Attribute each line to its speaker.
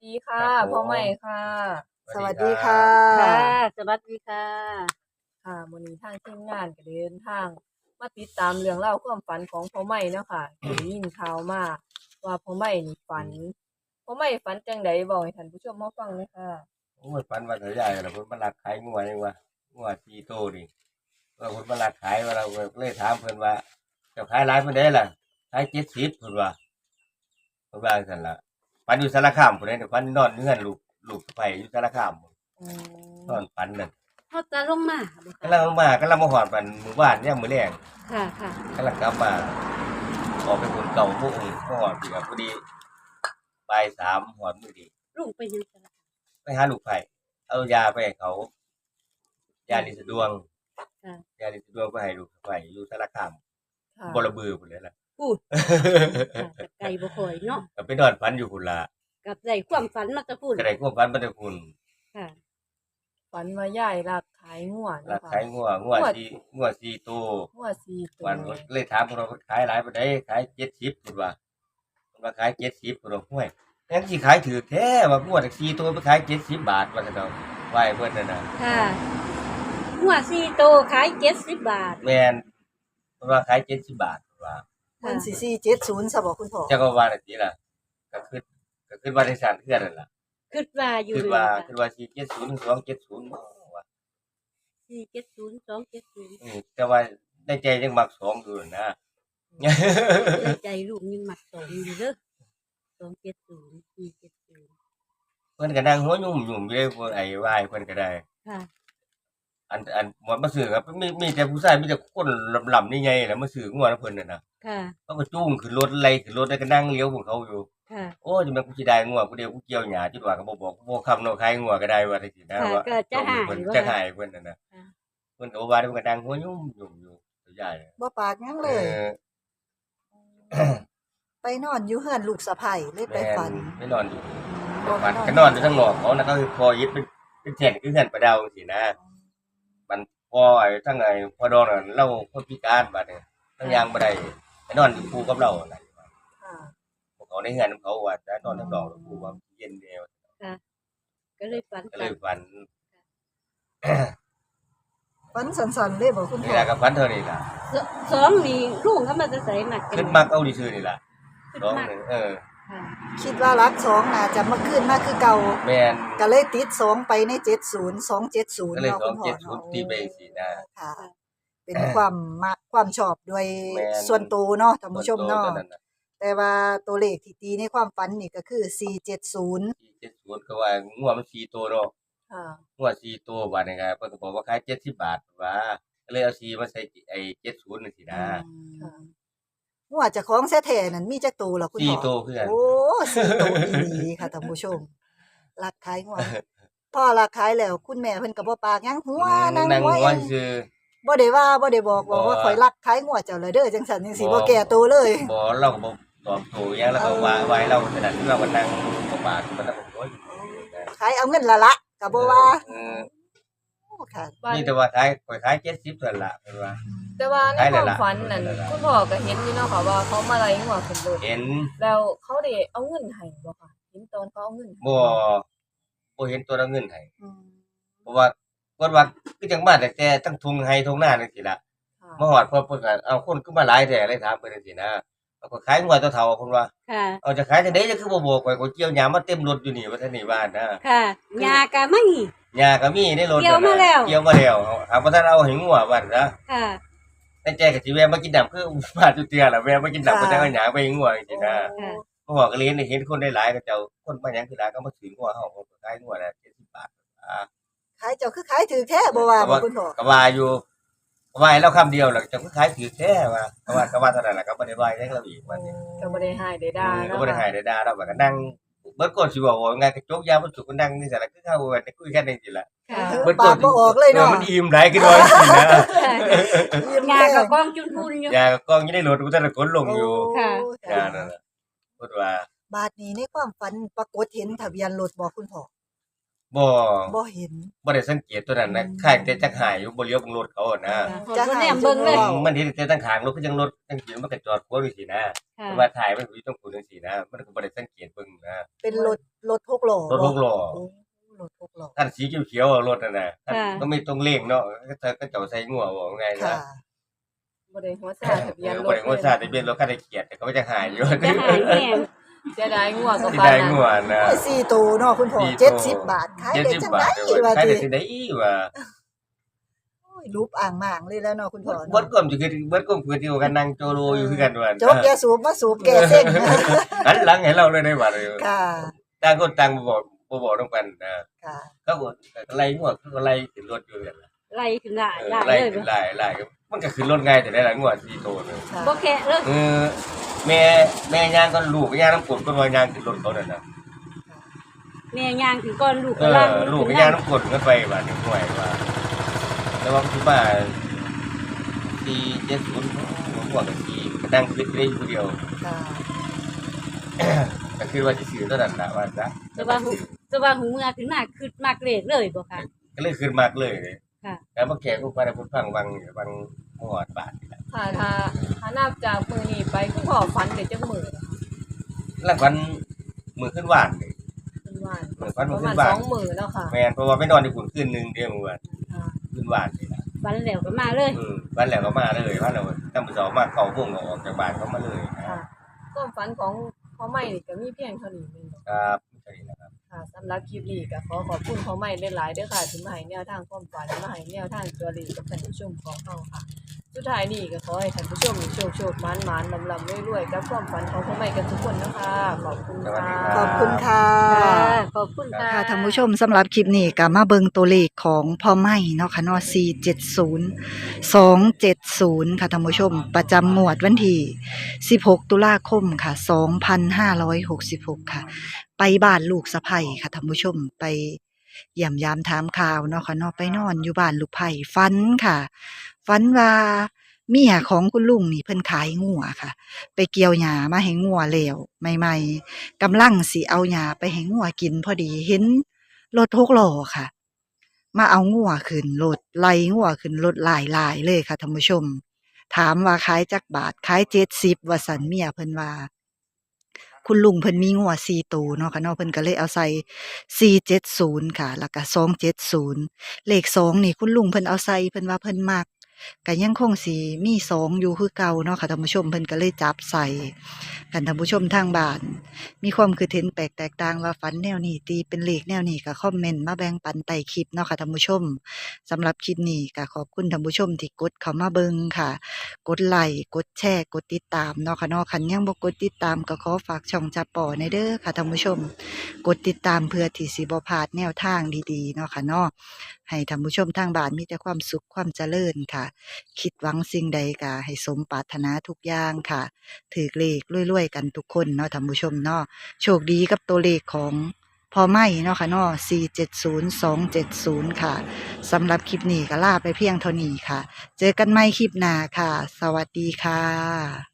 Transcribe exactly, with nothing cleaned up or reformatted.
Speaker 1: ดีค่ะ
Speaker 2: ครับผ
Speaker 1: พ่อใหม่
Speaker 2: ม
Speaker 1: ค่ะ
Speaker 2: ส
Speaker 3: ส
Speaker 2: วัสดีครั
Speaker 3: วัสดีค่ะ
Speaker 2: บ
Speaker 4: ค่ะสวัสดีค่ะ
Speaker 1: ค่ะมื้อนี้ทางทีมงานก็เดินทางมาติดตามเรื่องราวความฝันของพ่อใหม่เนาะค่ะก็ได้ยินข่าวมาว่าพ่อใหม่นี่ฝันพ่อใหม่ฝันจังใดเว้าให้ท่านผู้ชมมาฟังเลยค่ะ
Speaker 2: โอ้ยปันว่าเถอะใหญ่แล้วเพิ่นมาลักขายงัวยังว่างัวสี่โตนี่เออเพิ่นมาลักขายว่าเราก็เลยถามเพิ่นว่าเจ้าขายหลายปานใดล่ะขายเจ็ดสิบเพิ่นว่าเพิ่นว่าจังซั่นล่ะปันอยู่สารคามพุ่นเด้ปันนอนอยู่เฮือนลูกลูกสะใภ้อยู่สารคามพุ่น
Speaker 1: อื
Speaker 2: นอ
Speaker 1: ม
Speaker 2: นฝันนั่น
Speaker 4: เขาจะลงมาบ่
Speaker 2: กำลังมากำลังมาฮอดบ้านหมู่บ้านยามมื้อแลง
Speaker 4: ค่ะ ค่ะ
Speaker 2: กำลังกลับมาออกไปพุ่นเก่าโมงมาฮอดพี่ก็พอดีบ่ายสามฮอดมื้อดี
Speaker 4: ลุงไปยังสาร
Speaker 2: ไปหาลูกไผ่เอายาไปให้เขายาลินสะดวง
Speaker 4: ค่ะ
Speaker 2: ยาลินสะดวงไปให้ลูกไผ่อยู่สารคาม
Speaker 1: ค่ะ
Speaker 2: บ่ระบือพุ่นเลยล่ะ
Speaker 4: พูดค่ะกับไก่บ่ค่อยเนาะ
Speaker 2: ก็ไปนอนฝันอยู่พุ่นล่ะ
Speaker 4: กับได้ความฝันมาจะพูด
Speaker 2: ก็ได้ความฝันมาแต่พุ่น
Speaker 4: ค่ะ
Speaker 1: ฝันว่ายายลักขายงัว
Speaker 2: ลั
Speaker 1: เนาะ
Speaker 2: ก
Speaker 1: ค่ะ
Speaker 2: ขายงัวงัวสี่งัวสี่ตัว
Speaker 1: งัวสี่ตัว
Speaker 2: วันเลยถามเพิ่นว่าเพิ่นขายหลายปานใดขายเจ็ดสิบพุ่นว่าเพิ่นว่าขายเจ็ดสิบพุ่นว่าห้วยยังสิขายถูกแท้ว่างัวจักสี่ตัวไปขายเจ็ดสิบบาทว่าซั่นเนาะว่าให้เพิ่นนั่นน่ะ
Speaker 4: ค่ะหัวสี่โตขายเจ็ดสิบบาท
Speaker 2: แม่นเพิ่นว่าขายเจ็ดสิบบาทเพิ่นว่า
Speaker 3: เพิ่นสิสี่เจ็ดศูนย์ซะบ่คุณพ่อ
Speaker 2: จักก็ว่าจังซี่ล่ะก็คือก็คือว่าได้สร้างเทื่อนั่นล่ะ
Speaker 4: คิดว่าอยู่
Speaker 2: คิด
Speaker 4: เลย
Speaker 2: ว่า
Speaker 4: ค่ะ
Speaker 2: คิดว่าสี่เจ็ดศูนย์ สองเจ็ดศูนย์บ่ว่า
Speaker 4: สี่เจ็ดศูนย์สองเจ็ดศูนย์
Speaker 2: อืมแต่ว่าในใจยังมักสองอยู่นะ
Speaker 4: ในใจลูกยังหมักสองอยู่เด้อสองเจ็ดศูนย์สี่เจ็ดศูนย์
Speaker 2: เพิ่นก็นั่งหัวยุ่มยุ่มอยู่เลยเพิ่นไอ้วายเพิ่นก็ได้
Speaker 4: ค่ะ
Speaker 2: อันอันหมดมาซื้อครับมีมีแต่ผู้ชายมีแต่คนลำๆนี่ไงแหละมาซื้องัวนํเพิ่นน่ะนะ
Speaker 4: ค่ะ
Speaker 2: เขาก็จูงขึ้นรถไล่ขึ้นรถแล้วก็นั่งเลี้ยวของเขาอยู่
Speaker 4: ค่ะ
Speaker 2: โอ้ยจังแม่นกูสิได้งัวผู้เดียวกูเกี่ยวหญ้าจิว่าก็บ่บอกบ่คำเนาะขายงัวก็ได้ว่าจังซี่นะ
Speaker 4: ค่ะ
Speaker 2: ว่า
Speaker 4: ก็จะหาย
Speaker 2: เพิ่น
Speaker 4: ว่า
Speaker 2: จะหายเพิ่นน่ะนะ
Speaker 4: ค่ะ
Speaker 2: เพิ่นก็ว่าเพิ่นก็นั่งหัวยุ่มยุ่มอยู่ตัวใหญ่
Speaker 3: บ่ปากหยัง
Speaker 2: เอ
Speaker 3: เลย
Speaker 2: อ
Speaker 3: ไปนอนอยู่เฮือนลูกสะใภ้เลยไป
Speaker 2: แม่น
Speaker 3: ฝัน
Speaker 2: ไปนอนอยู่
Speaker 3: บ่
Speaker 2: ฝัน
Speaker 3: ไป
Speaker 2: ก็นอนอยู่ข้างนอกเขานะก็คือพอยึดเป็นเป็นแท่นคือเฮือนประดาวจังซี่นะมันพอไอ้ทั้งไอ้พอดองน่ะเราคนพิการบัดนี้ทั้งยางบ่ได้ไปนอนอยู่คู่กับเราน่ะ
Speaker 1: ค่ะ
Speaker 2: พวกเขาในเฮือนเขาว่าจะนอนทั้งดอกคู่ว่าเย็นแนว
Speaker 4: ค่ะก็เลยฝัน
Speaker 2: ก็เลยฝัน
Speaker 3: ฝันสันๆเลยบ่คุณ
Speaker 2: นี่
Speaker 3: พ่อ
Speaker 2: ล่ะก็ฝันเท่านี้ล่ะ
Speaker 4: สสองนี่ลุงเขามาจะใส่หมักกัน
Speaker 2: ขึ้นมักเอาดีซื่อนี่ล่ะ
Speaker 4: ขึ้น
Speaker 2: สอง
Speaker 4: มาก
Speaker 2: นี่เออ
Speaker 4: ค่ะ
Speaker 3: คิดว่ารักสองน่าจะมาคืนมาคือเก่า
Speaker 2: แม่น
Speaker 3: ก็เลยติดสองไปในเจ็ดศูนย์ สองเจ็ดศูนย์
Speaker 2: ก็เลย
Speaker 3: เนาะ
Speaker 2: สอ
Speaker 3: คุ
Speaker 2: ง
Speaker 3: ณพ่อ
Speaker 2: เจ็ดศูน
Speaker 3: เนาะ
Speaker 2: ย์ตีไปจังซี่นะ
Speaker 3: ค่ะ เป็นความมักความชอบด้วย
Speaker 2: แม่น
Speaker 3: ส่วนตัวเนาะท่านผู้ชมเนาะ
Speaker 2: ส่วตัวน่ะ
Speaker 3: แต่ว่าตัวเลขที่ตีในความฝันนี่ก็คือสี่เจ็ดศูนย์
Speaker 2: สี่เจ็ดศูนย์ก็ว่างัวมันสี่ตัวเนาะ
Speaker 1: ค่ะ
Speaker 2: งัวสี่ตัวบาดนี่ก็เพิ่นก็บอกว่าขายเจ็ดสิบบาทว่าก็เลยเอาสี่มาใส่ไอ้เจ็ดศูนย์จังซี่นะ
Speaker 1: ค่ะ
Speaker 3: หัวเจ้าของแท้ๆนั่นมีจักตัวล่ะคุณ
Speaker 2: สี่
Speaker 3: พ่อ
Speaker 2: ตัวคือกัน
Speaker 3: โอ้สี่ตัวอีหลีค่ะท่านผู้ชมรักขายหัวพ่อรักขายแล้วคุณแม่เพิ่นก็บ่ปากหยังหัว
Speaker 2: อืม
Speaker 3: นั่ง
Speaker 2: นั่ง
Speaker 3: หัว
Speaker 2: หัว
Speaker 3: เอง
Speaker 2: ซื่อ
Speaker 3: บ่ได้ว่าบ่ได้บอกบอกว่า
Speaker 2: บ่
Speaker 3: ข่อยรักขายหัวเจ้าเลยเด้อจังซั่นจังซี่
Speaker 2: บ่
Speaker 3: บ่แก้ตัวเลย
Speaker 2: บ่เราก็บ่ตอบโต้หยังแล้วก็ว่าไว้เราขนาดที่เราก็นั่งบ่ปากมันก็โอ้ย
Speaker 3: ขายเอาเงินละละก็บ่ว่า
Speaker 2: เออ
Speaker 3: โอ้ค่ะ
Speaker 1: บ้าน
Speaker 2: นี่แต่ว่าขายข่อยขายเจ็ดสิบเท่านั้นล่ะเพิ่นว่า
Speaker 1: แต่ว่าใน
Speaker 2: ขาย
Speaker 1: ค
Speaker 2: แล้ว
Speaker 1: วาม
Speaker 2: ล่ะ
Speaker 1: ฝันนั่น
Speaker 2: ขายแล้วล่ะ
Speaker 1: คุณพ่อก็เห็นอยู่เนาะค่ะว่าเขามาไล่งัวขึ้นรถ
Speaker 2: เห็น
Speaker 1: แล้วเขาได้เอาเงินให้บ่ค่ะเห็นตอนเขาเอาเงินให้
Speaker 2: บ่บ่เห็นตัวละเงินให้
Speaker 3: อืม
Speaker 2: เพราะว่าเพิ่นว่าคือจังมาแต่แต่ทั้งทุ่งไห้ทุ่งนาจังซี่ล่ะ
Speaker 1: ค่ะ
Speaker 2: มาฮอดเพิ่นเพิ่นก็เอาคนคือมาหลายแท้เลยถามเพิ่นจังซี่นะเอาก็ขายงัวเฒ่าๆเพิ่นว่า
Speaker 4: ค่ะ
Speaker 2: เอาจะขายจังได๋จะคือบ่บอกข่อยก็เกี่ยวหญ้ามาเต็มรถอยู่นี่ว่าซั่นนี่บ้านนะ
Speaker 4: ค่ะยากะไม่
Speaker 2: หญ้าก็มีในรถ
Speaker 4: เกี่ยวมาแล้ว
Speaker 2: เกี่ยวมาแล้วเอาบ่ทันเอาให้งัวบัดนะ
Speaker 4: ค่ะ
Speaker 2: ในใจก็สิแวะมากินน้ำคือบ้านจุเตียล่ะแวะมากินน้ำก็จะเอาหญ้าไปให้งัวจังซี่นะ
Speaker 4: ค่ะ
Speaker 2: เพราะว่าก็เรียนได้เห็นคนได้หลายก็เจ้าคนมาหยังคือหลายก็มาซื้องัวเฮาก็ขายงัวละเจ็ดสิบบาทอ่า
Speaker 3: ขายเจ้าคือขายถือแท้บ่ว่าบ่คุณพ่อ
Speaker 2: ก็ว่าอยู่ก็ว่าให้เราคำเดียวแหละเจ้าคือขายถือแท้ว่าก็ว่าก็ว่าเท่านั้นล่ะก็บ่ได้ว่าหยังเราอีกว่านี่
Speaker 1: ก็บ่ได้ให้ได้ด่า
Speaker 2: ก็
Speaker 1: เนาะ
Speaker 2: บ่ได้ให้ได้ด่าเราว่าก็นั่งเบิดก่อนสิเว้าว่าไงก็จกยาบ่สุกก็นั่งนี่ซั่นล่ะคือเฮาว่าได้คุยกันจังซี่ล่ะ
Speaker 4: ค่ะ
Speaker 2: เบิด
Speaker 3: ปากบ่ออกเลยเนาะ
Speaker 2: มันอิ่มหลายคือว่าจังซี่นะ
Speaker 3: ยิ้ม
Speaker 4: ยา
Speaker 3: แท้
Speaker 4: กับกองจุนทุนอยู่
Speaker 2: ยาก็กองอยู่ในรถกูแต่ละคนลงอยู่
Speaker 4: ค่ะ
Speaker 3: โอ้
Speaker 2: ยานั่นน่ะพูดว่า
Speaker 3: บาดนี้ในความฝันปรากฏเห็นทะเบียนรถบ่คุณพ่อ
Speaker 2: บ่
Speaker 3: บ่เห็น
Speaker 2: บ่ได้สังเกตตัวนั้นนะข้างแต่จักหายอยู่บ่เลี้ยวเบิ่งรถเขาอะนะ
Speaker 3: จะ
Speaker 4: จะ
Speaker 3: หา
Speaker 4: แนมเบิ่งเลย
Speaker 3: ว้า
Speaker 2: มันเห็นแต่ตั้งข้างรถคือจังรถจังสิมันก็จอดขวางอยู่สินะ
Speaker 4: ค่ะ
Speaker 2: แต่ว่าถ่ายมันอยู่ตรงกูจังซี่นะ มันก็บ่ได้สังเกตเบิ่งนะ
Speaker 3: เป็นรถรถหกล้อ
Speaker 2: รถหกล้อ
Speaker 3: โอ้รถหกล้อ
Speaker 2: คันสีเขียวๆอะรถนั่นน่ะคัน
Speaker 4: ค่ะ
Speaker 2: ก็ไม่ต้องเร่งเนาะก็ก็เจ้าใส่งัวบ่ไง
Speaker 3: ค่ะ
Speaker 2: นะ
Speaker 1: บ่ได้หัวซาทะเบียนร
Speaker 2: บ่
Speaker 1: ถ
Speaker 2: ได้ว่าซาทะเบียนรถคันได้เกียรติเขาก็จะหายอยู่
Speaker 4: จะหายแห้ง
Speaker 1: เสียดายงัวก็
Speaker 2: สิ
Speaker 1: ปาน
Speaker 2: ได้
Speaker 1: นั้น
Speaker 2: งัวนะ
Speaker 3: โอ้ยสี่ตัวเนาะคุณพ่อ
Speaker 2: สี่ตัว
Speaker 3: เจ็ดสิบบาทขายได้
Speaker 2: เจ็ดสิบ
Speaker 3: จัง
Speaker 2: บา
Speaker 3: ได๋
Speaker 2: ทเด้อ
Speaker 3: ว่า
Speaker 2: ขาย
Speaker 3: ติ
Speaker 2: ได้สิได้ว่า
Speaker 3: โอ้ยรูปอ่างหมางเลยแล้วเนาะคุณพ่อ
Speaker 2: เบิ
Speaker 3: เนาะ
Speaker 2: ดก้มสิคือเบิดก้มคือที่ว่ากันนั่งโจโลอยู่คือกันว่า
Speaker 3: จกยาสูบมาสูบแก้เส้น
Speaker 2: หันหลังให้เราเลยได้ว่าเลย
Speaker 3: ค่ะ
Speaker 2: ต่างคนต่างบ่บอกบ่บอกต้องกันนะ
Speaker 3: ค่ะ
Speaker 2: เขาก็ไล่งัวเขาก็ไล่ขึ้นรถอยู่นั่นล่ะ
Speaker 4: ไล่ขึ้นได้
Speaker 2: เออ
Speaker 4: ได้
Speaker 2: ไล่
Speaker 4: เลย
Speaker 2: ขึ้นไล่ไล่มันก็ขึ้นรถง่ายแต่ได้หลายงัวสี่โตนึง
Speaker 3: ค่ะ
Speaker 4: บ่แค่เลย
Speaker 2: เออแม่แม่ย่างก็ลูกก็ย่างน้ำกรดก็ว่าย่างขึ้นรถเขานั่นน่ะ
Speaker 4: แม่ย่างถึงก่อนลูก
Speaker 2: เอ
Speaker 4: ก็ล่าง
Speaker 2: อลูกก็ย่างน้ำกรดกันไปว่าถึงหน่วยว่าแต่ว่าที่บ้านสี่เจ็ดศูนย์ผมว่าก็สี่ก็นั่งคิดได้อยู่ผู้เดียว
Speaker 3: ค่ะ
Speaker 2: ก็คือว่าสิซื้อเท่านั้นล่ะว่าซะ
Speaker 4: แต่ว่าหูแต่ว่าหูเมื่อถึงหน้าคือมากเลขเลยบ่ค่ะ
Speaker 2: ก็เลยขึ้นมากเลย
Speaker 4: ค่ะ
Speaker 2: แล้วมาแก่กูไปแล้วผมฟังวังวังหอดบาทนี่ล่ะ
Speaker 1: ค่ะถ้าถ้านับจากมื้อนี้ไปคุณพ่อฝันได้จักมื้อ
Speaker 2: หลังวันมือขึ้นว่านนี่
Speaker 1: ขึ้นว่าน
Speaker 2: มือวัน
Speaker 1: ป
Speaker 2: มือ
Speaker 1: ระ
Speaker 2: ขึ้
Speaker 1: มาณ
Speaker 2: นว่าน
Speaker 1: สองมื้อแล้วค่ะ
Speaker 2: แม่นเพราะว่าไปนอนที่ขุนคืนหนึงเดียวมื้อวัน
Speaker 1: ค่ะ
Speaker 2: ขึ้นว่านนี่ล่ะ
Speaker 4: วันแล้วก็มาเลย
Speaker 2: อืมวันแล้วก็มาเลยวันแล้วตั้งแต่เช้ามาเข้าวงออกจากบ้านเขามาเลยนะ
Speaker 1: ค่ะความฝันของพ่อใหม่นี่ก็มีเพียงเท่านี้แม่นบ่
Speaker 2: ครับใช่นะครับ
Speaker 1: ค่ะสำหรับคลิปนี้ก็ขอขอบคุณพ่อใหม่หลายๆเด้อค่ะที่มาให้แนวทางความฝันมาให้แนวทางตัวเลขกับท่านผู้ชมของเฮาค่ะ สุดท้ายนี้ก็ขอให้ท่านผู้ชมโชคโชคหมานหมานลำลำรวยๆกับความฝันของพ่อใหม่กันทุกคนนะคะ ขอบคุณค่ะ
Speaker 3: ขอบคุณค่ะ
Speaker 4: ค่ะขอบคุณค่ะ
Speaker 3: ค่ะท่านผู้ชมสำหรับคลิปนี้ก็มาเบิงตัวเลขของพ่อไม่เนาะค่ะเนาะสี่ เจ็ด ศูนย์ สอง เจ็ด ศูนย์ค่ะท่านผู้ชม ประจำงวดวันที่สิบหกตุลาคมค่ะสองพันห้าร้อยหกสิบหกค่ะ ไปบ้านลูกสะใภ้ค่ะท่านผู้ชมไปเยี่ยมยามถามข่าวเนาะค่ะเนาะไปนอนอยู่บ้านลูกไผ่ฝันค่ะฝันว่าเมียของคุณลุงนี่เพิ่นขายงัวค่ะ ไปเกี่ยวหญ้ามาให้งัวแล้วใหม่ๆกำลังสิเอาหญ้าไปให้งัวกินพอดีเห็นรถหกล้อค่ะ มาเอางัวขึ้นรถไล่งัวขึ้นรถหลายๆเลยค่ะท่านผู้ชม ถามว่าขายจักบาทขายเจ็ดสิบว่าสันเมียเพิ่นว่า คุณลุงเพิ่นมีงัวสี่ตัวเนาะค่ะเนาะเพิ่นก็เลยเอาใส่สี่เจ็ดศูนย์ค่ะ แล้วก็สองเจ็ดศูนย์เลขสองนี่คุณลุงเพิ่นเอาใส่เพิ่นว่าเพิ่นมักก็ยังคงสิมีสองอยู่คือเก่าเนาะค่ะท่านผู้ชมเพิ่นก็เลยจับใส่กันท่านผู้ชมทางบ้าน มีความคิดเห็นแปลกแตกต่างว่าฝันแนวนี้ตีเป็นเลขแนวนี้ก็คอมเมนต์มาแบ่งปันใต้คลิปเนาะค่ะท่านผู้ชมสำหรับคลิปนี้ก็ขอบคุณท่านผู้ชมที่กดเข้ามาเบิ่งค่ะ กดไลค์กดแชร์กดติดตามเนาะค่ะเนาะคันยังบ่กดติดตามก็ขอฝากช่องจับป่อในเด้อค่ะท่านผู้ชม กดติดตามเพื่อที่สิบ่พลาดแนวทางดีๆเนาะค่ะเนาะให้ท่านผู้ชมทางบ้านมีแต่ความสุขความเจริญค่ะ คิดหวังสิ่งใดก็ให้สมปรารถนาทุกอย่างค่ะถือเลขรวยๆกันทุกคนเนาะท่านผู้ชมเนาะโชคดีกับตัวเลขของพอไม่เนาะค่ะเนาะสี่ เจ็ด ศูนย์ สอง เจ็ด ศูนย์ค่ะสำหรับคลิปนี้ก็ลาไปเพียงเท่านี้ค่ะ เจอกันใหม่คลิปหน้าค่ะ สวัสดีค่ะ